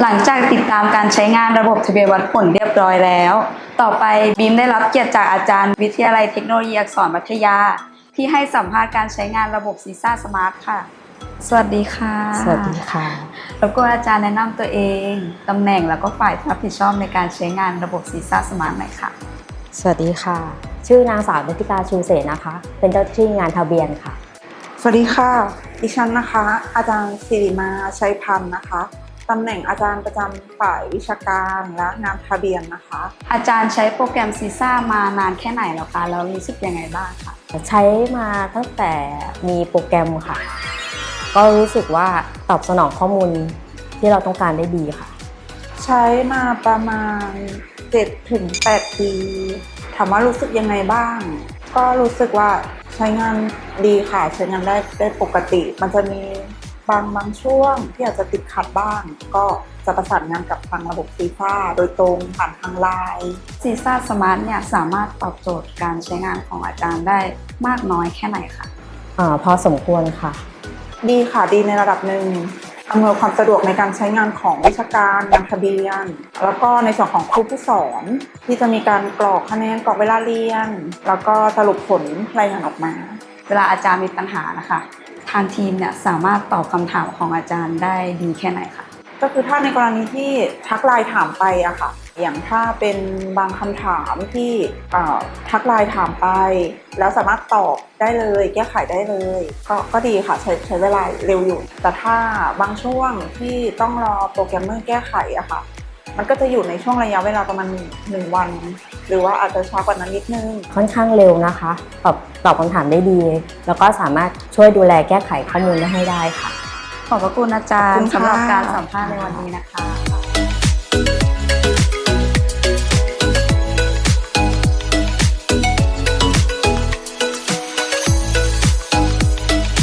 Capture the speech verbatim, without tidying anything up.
หลังจากติดตามการใช้งานระบบทะเบียนวัดผลเรียบร้อยแล้ว ต่อไปบีมได้รับเกียรติจากอาจารย์วิทยาลัยเทคโนโลยีอักษรพัทยาที่ให้สัมภาษณ์การใช้งานระบบซีซ่าสมาร์ทค่ะสวัสดีค่ะสวัสดีค่ะแล้วก็อาจารย์แนะนำตัวเองตำแหน่งแล้วก็ฝ่ายรับผิดชอบในการใช้งานระบบซีซ่าสมาร์ทหน่อยค่ะสวัสดีค่ะชื่อนางสาวนิติกาชูเสนนะคะเป็นเจ้าหน้าที่งานทะเบียนค่ะสวัสดีค่ะดิฉันนะคะอาจารย์สิริมาชัยพันธ์นะคะตำแหน่งอาจารย์ประจำฝ่ายวิชาการและงานทะเบียนนะคะอาจารย์ใช้โปรแกรมซีซ่ามานานแค่ไหนแล้วคะแล้วรู้สึกยังไงบ้างคะใช้มาตั้งแต่มีโปรแกรมค่ะก็รู้สึกว่าตอบสนองข้อมูลที่เราต้องการได้ดีค่ะใช้มาประมาณ เจ็ดถึงแปด ปีถามว่ารู้สึกยังไงบ้างก็รู้สึกว่าใช้งานดีค่ะใช้งานได้ได้ปกติมันจะมีบางบางช่วงที่อาจจะติดขัดบ้างก็จะประสานงานกับทางระบบซีซ่าโดยตรงผ่านทางไลน์ซีซ่าสมาร์ทเนี่ยสามารถตอบโจทย์การใช้งานของอาจารย์ได้มากน้อยแค่ไหนคะอ่าพอสมควรค่ะดีค่ะดีในระดับหนึ่งอำนวยความสะดวกในการใช้งานของวิชาการงานทะเบียนแล้วก็ในส่วนของครูผู้สอนที่จะมีการกรอกคะแนนกรอกเวลาเรียนแล้วก็สรุปผลรายงานออกมาเวลาอาจารย์มีปัญหานะคะทางทีมเนี่ยสามารถตอบคำถามของอาจารย์ได้ดีแค่ไหนคะก็คือถ้าในกรณีที่ทักไลน์ถามไปอะค่ะอย่างถ้าเป็นบางคำถามที่ทักไลน์ถามไปแล้วสามารถตอบได้เลยแก้ไขได้เลยก็ก็ดีค่ะใช้ใช้เวลาเร็วอยู่แต่ถ้าบางช่วงที่ต้องรอโปรแกรมเมอร์แก้ไขอะค่ะมันก็จะอยู่ในช่วงระยะเวลาประมาณหนึ่งวันหรือว่าอาจจะช้ากว่านั้นนิดนึงค่อนข้างเร็วนะคะตอบตอบคำถามได้ดีแล้วก็สามารถช่วยดูแลแก้ไขข้อมูลได้ให้ได้ค่ะขอบพระคุณอาจารย์สำหรับการสัมภาษณ์ในวันนี้นะคะ